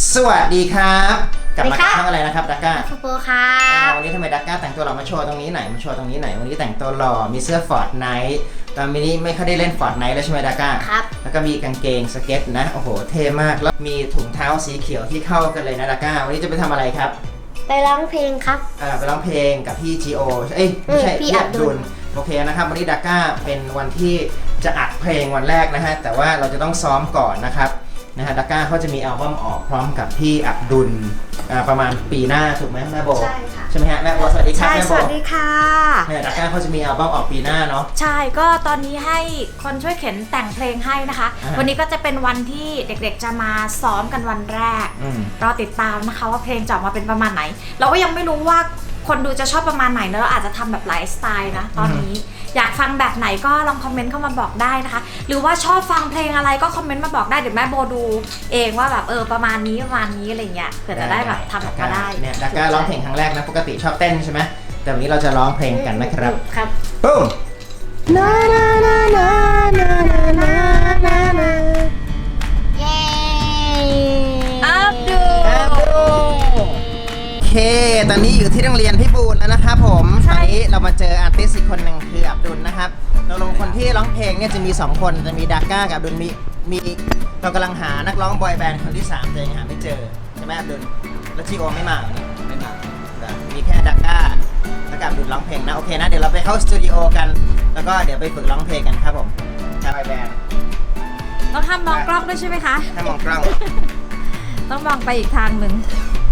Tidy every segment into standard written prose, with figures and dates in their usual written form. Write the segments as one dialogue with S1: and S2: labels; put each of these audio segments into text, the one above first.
S1: สวัสดีครับกลับมากับช่องอะไรนะครับดักก้า
S2: ฟูโปครับ
S1: วันนี้ทำไมดักก้าแต่งตัวหล่อมาโชว์ตรงนี้ไหนมาโชว์ตรงนี้ไหนวันนี้แต่งตัวหล่อมีเสื้อฟอร์ดไนท์ตอนนี้ไม่ค่อยได้เล่นฟอร์ดไนท์แล้วใช่ไหมดักก้า
S2: ครับ
S1: แล้วก็มีกางเกงสเก็ตนะโอ้โหเท่มากแล้วมีถุงเท้าสีเขียวที่เข้ากันเลยนะดักก้าวันนี้จะไปทำอะไรครับ
S2: ไปร้องเพลงครับ
S1: ไปร้องเพลงกับพี่จีโอไม่ใช่พี่อับดุลโอเคนะครับวันนี้ดักก้าเป็นวันที่จะอัดเพลงวันแรกนะฮะแต่ว่าเราจะต้องซ้อมก่อนนะครับดักก้าเขาจะมีอัลบั้มออกพร้อมกับพี่อับดุลประมาณปีหน้าถูกไหมแม่โบ
S2: ใช่ค่ะ
S1: ใช่ไหมฮะแม่โบสวัสดีครับแม่โบ
S3: สวัสดีค่ะ
S1: ดักก้าเขาจะมีอัลบั้มออกปีหน้าเนาะ
S3: ใช่ก็ตอนนี้ให้คนช่วยเขียนแต่งเพลงให้นะคะวันนี้ก็จะเป็นวันที่เด็กๆจะมาซ้อมกันวันแรกรอติดตามนะคะว่าเพลงจะออกมาเป็นประมาณไหนเราก็ยังไม่รู้ว่าคนดูจะชอบประมาณไหนนะเราอาจจะทำแบบหลายสไตล์นะตอนนี้อยากฟังแบบไหนก็ลองคอมเมนต์เข้ามาบอกได้นะคะหรือว่าชอบฟังเพลงอะไรก็คอมเมนต์มาบอกได้เดี๋ยวแม่โบดูเองว่าแบบประมาณนี้อะไรเงี้ยเผื่อจะได้แบบทำออกมาได้
S1: เนี่ยดักก้าร้องเพลงครั้งแรกนะปกติชอบเต้นใช่ไหมแต่วันนี้เราจะร้องเพลงกันนะครับ
S2: ครับ
S1: ปุ้มนานานานานานานานา
S2: เย้
S3: อับดุล
S1: โอเคตอนนี้อยู่ที่โรงเรียนพี่บูลแล้วนะครับผมตอนนี้เรามาเจออาร์ติสต์อีกคนหนึ่งคืออับดุลนะครับเราลงคนที่ร้องเพลงเนี่ยจะมี2คนจะมีดักก้ากับอับดุลมีเรากำลังหานักร้องบอยแบนด์คนที่3แต่ยังหาไม่เจอใช่ไหมอับดุลแล้วจีโอไม่มาไม่มามีแค่ดักก้าแล้วกับอับดุลร้องเพลงนะโอเคนะเดี๋ยวเราไปเข้าสตูดิโอกันแล้วก็เดี๋ยวไปฝึกร้องเพลงกันครับผมบอยแบนด์
S3: ต้องห้ามมองกล้องด้วยใช่ไหมคะ
S1: ห้ามมองกล้อง
S3: ต้องมองไปอีกทางหนึ่ง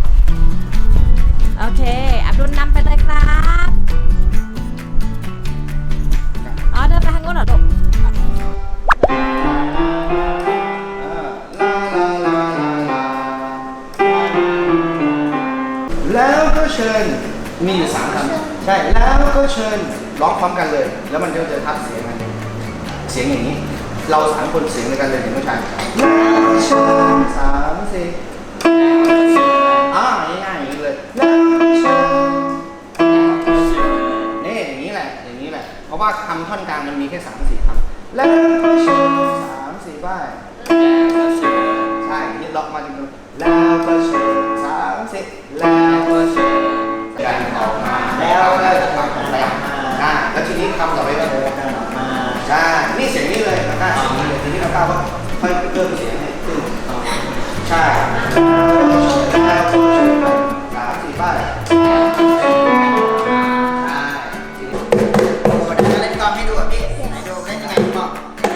S3: โอเคอับดุลนำไปเลยครับอ๋อเดินไปทางโน้นเหรอลูก
S4: แล้วก็เชิญมีอยู่3คำใช่แล้วก็เชิญร้องพร้อมกันเลยแล้วมันก็จะทับเสียงกันเสียงอย่างนี้เรา3คนเสียงด้วยกันเลยเห็นผู้ชายแล้วก็เชิญ3 4ง่ายๆอย่างนี้เลยแล้วก็เชิญนี่อย่างนี้แหละเพราะว่าคำท่อนกลางมันมีแค่3-4คำแล้วก็เชิญ3-4บ้ายใช่นี่ล็อกมาจนแล้วก็เชิญ3-4แล้วก็เชิญกันออกมาแล้วก็จะทำของอะไรแล้วทีนี้คำต่อไปก็โผล่กันออกมาใช่นี่เสียงนี้เลยนะเสียงนี้เลยทีนี้เราก้าวว่าค่อยเพิ่มเสียงให้ขึ้นใช่แล้วก็เชิญ3-4บ้าย
S1: เล่นกอล์ฟให้ดูพี่ไหนดูเล่นยังไงบอก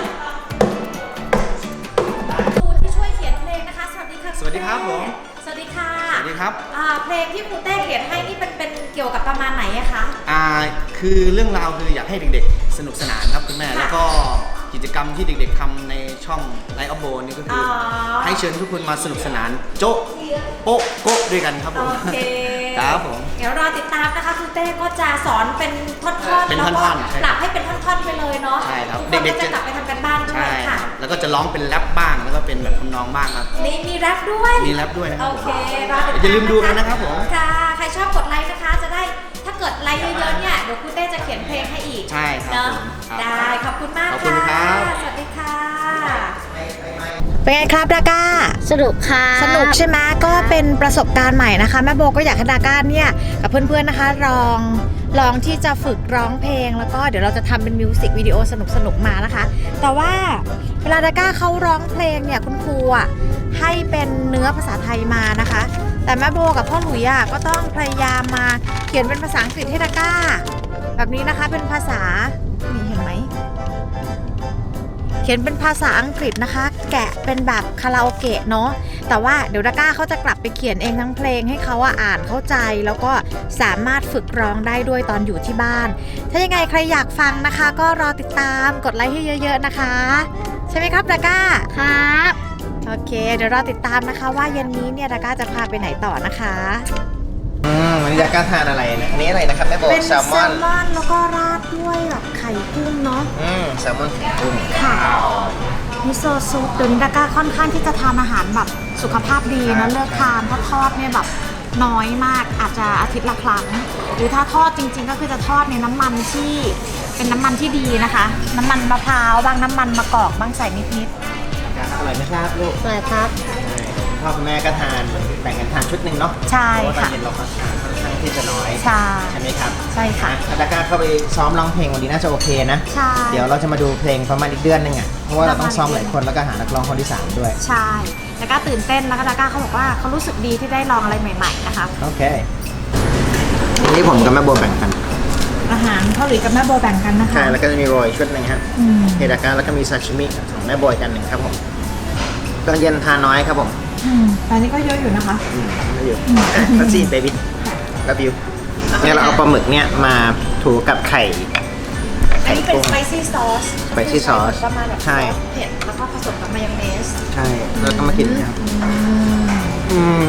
S3: ครูที่ช่วยเขียนเพลงนะคะสวัสดีค่ะ
S4: สวัสดีครับผม
S3: สวัสดีค่ะ
S4: สวัสดีครับ
S3: เพลงที่ครูเต้เขียนให้นี่เป็นเกี่ยวกับประมาณไหนอะคะ
S4: คือเรื่องราวคืออยากให้เด็กๆสนุกสนานครับคุณแม่แล้วก็กิจกรรมที่เด็กๆทำในช่องไลฟ์ออฟโบนี่ก็คือให้เชิญทุกคนมาสนุกสนานโจ๊ะโป๊ะโก๊ะด้วยกันครับผม
S3: โอเค
S4: ครับผม
S3: เดี๋ยวรอติดตามนะคะครูเต้ก็จะสอนเป็นท่อนๆ
S4: เป็นท่อนๆ
S3: ปรับให้เป็นท่อนๆไปเลยเนาะ
S4: ใช่ครับ
S3: เด็กๆจะกลับไปทำกันบ้านด้วยค่ะ
S4: แล้วก็จะร้องเป็นแรปบ้างแล้วก็เป็นแบบทำนองบ้างครับ
S3: นี่มีแรปด้วย
S4: นะครับ
S3: โอเครอติดตาม
S4: อย่าลืมดูกันนะครับผม
S3: ค่ะใครชอบกดไลค์นะคะจะได้ถ้าเกิดไลค์เยอะๆเนี่ยเดี๋ยวครูเต้จะเขียนเพลงให้อีก
S4: ใช่ครับ
S3: เนาะได้ขอบคุณมากค่ะสวัสดีค่ะ
S2: เป็นไงครับดาก้าสนุกค่ะ
S3: สนุกใช่ไหมก็เป็นประสบการณ์ใหม่นะคะแม่โบก็อยากให้ดาก้าเนี่ยกับเพื่อนๆนะคะลองที่จะฝึกร้องเพลงแล้วก็เดี๋ยวเราจะทำเป็นมิวสิกวิดีโอสนุกๆมานะคะแต่ว่าเวลาดาก้าเขาร้องเพลงเนี่ยคุณครูให้เป็นเนื้อภาษาไทยมานะคะแต่แม่โบกับพ่อหลุยก็ต้องพยายามมาเขียนเป็นภาษาอังกฤษให้ดาก้าแบบนี้นะคะเป็นภาษานี่เห็นไหมเขียนเป็นภาษาอังกฤษนะคะแกะเป็นแบบคาราโอเกะเนาะแต่ว่าเดี๋ยวดาก้าเขาจะกลับไปเขียนเองทั้งเพลงให้เขาอ่านเข้าใจแล้วก็สามารถฝึกร้องได้ด้วยตอนอยู่ที่บ้านถ้ายังไงใครอยากฟังนะคะก็รอติดตามกดไลค์ให้เยอะๆนะคะใช่ไหมครับดาก้า
S2: ครับ
S3: โอเคเดี๋ยวรอติดตามนะคะว่าเย็นนี้เนี่ยดาก้าจะพาไปไหนต่อนะคะ
S1: วันนี้ดาก้าทานอะไรนะอันนี้อะไรนะครับแม่โบ
S3: เป็น
S1: แซลมอน
S3: แล้วก็ราดด้วยแบบไข่กุ้งเนาะ
S1: แซลมอนไข่กุ้ง
S3: ค่ะมิโซะซุปเดี๋ยวนี้ดาก้าค่อนข้างที่จะทานอาหารแบบสุขภาพดีนะเลิกทานเพราะทอดเนี่ยแบบน้อยมากอาจจะอาทิตย์ละครั้งหรือถ้าทอดจริงๆก็คือจะทอดในน้ำมันที่เป็นน้ำมันที่ดีนะคะน้ำมันมะพร้าวบ้างน้ำมันมะกอกบ้างใส่นิด
S1: ๆอร่อยไหมครับลูก
S2: อร่อยครับ
S1: พ่อคุณแม่ก็ทานแบ่งกันทานชุดหนึ่งเนาะ
S3: ใช่
S1: เพราะว่าตอน
S3: ค่ะ
S1: เย็นเราก็ทานค่อนข้างที่จะน้อย
S3: ใช่
S1: ใช่ไหมครับ
S3: ใช่ค่ะ
S1: ถ้าดาก้าเข้าไปซ้อมร้องเพลงวันนี้น่าจะโอเคนะ
S3: ใช่
S1: เดี๋ยวเราจะมาดูเพลงประมาณอีกเดือนหนึงอ่ะ เพราะว่าเราต้องซ้อมหลายคนแล้วก็หานักร้องคนที่ 3 ด้วย
S3: ใช่ดาก้าตื่นเต้นแล้วก็ดาก้าเขาบอกว่าเขารู้สึกดีที่ได้ลองอะไรใหม่ๆนะคะ
S1: โอเควันนี้ผมกับแม่โบแบ่งกัน
S3: อาหารเกาหลีกับแม่โบแบ่งกันนะคะ
S1: ใช่แล้วก็จะมีโรยชุดหนึ่งครับ
S3: อืม
S1: เฮดาก้าแล้วก็มีซาชิมิของแม่โบยกันหนึ่งครับผมตอนเย็นทานน้อยครับผม
S3: ตอนนี้ก็เยอะอยู่นะคะ
S1: ไม่อยู่ก็ซีเบบี้กับบิวเนี่ยเราเอาปลาหมึกเนี่ยมาถูกับไข่
S3: อันนี้เป็น
S1: กุ้ง
S3: สไปซี่ซอส
S1: spicy sauce
S3: ประมาณแบบ
S1: ใช่
S3: เผ็ดแล้วก็ผสมกับมายองเนส
S1: ใช่แล้วก็มากินนะครับม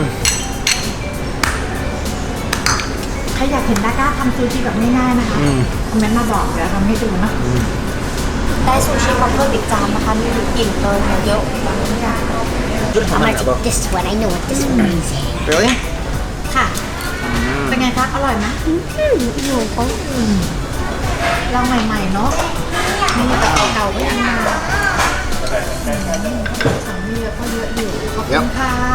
S3: ใครอยากเห็นดาก้าทำซูชิแบบง่ายๆนะคะ
S1: อืม
S3: คอมเมนต์มาบอกเดี๋ยวทำให้ดูนะได้ซูชิมาเพิ่มอีกจานนะคะมีอิ่มเลยเนี่ยเยอะแบบนี้ค่ะ
S1: I'm like
S2: This one I know what this one is
S1: really
S3: ค่ะ เป็นไงคะอร่อยไหมอยู่เขาลองใหม่ๆเนาะนี่แต่เก่าๆไม่อันมาสั่งไม่เยอะก็เยอะอยู่ขอบคุณค่ะ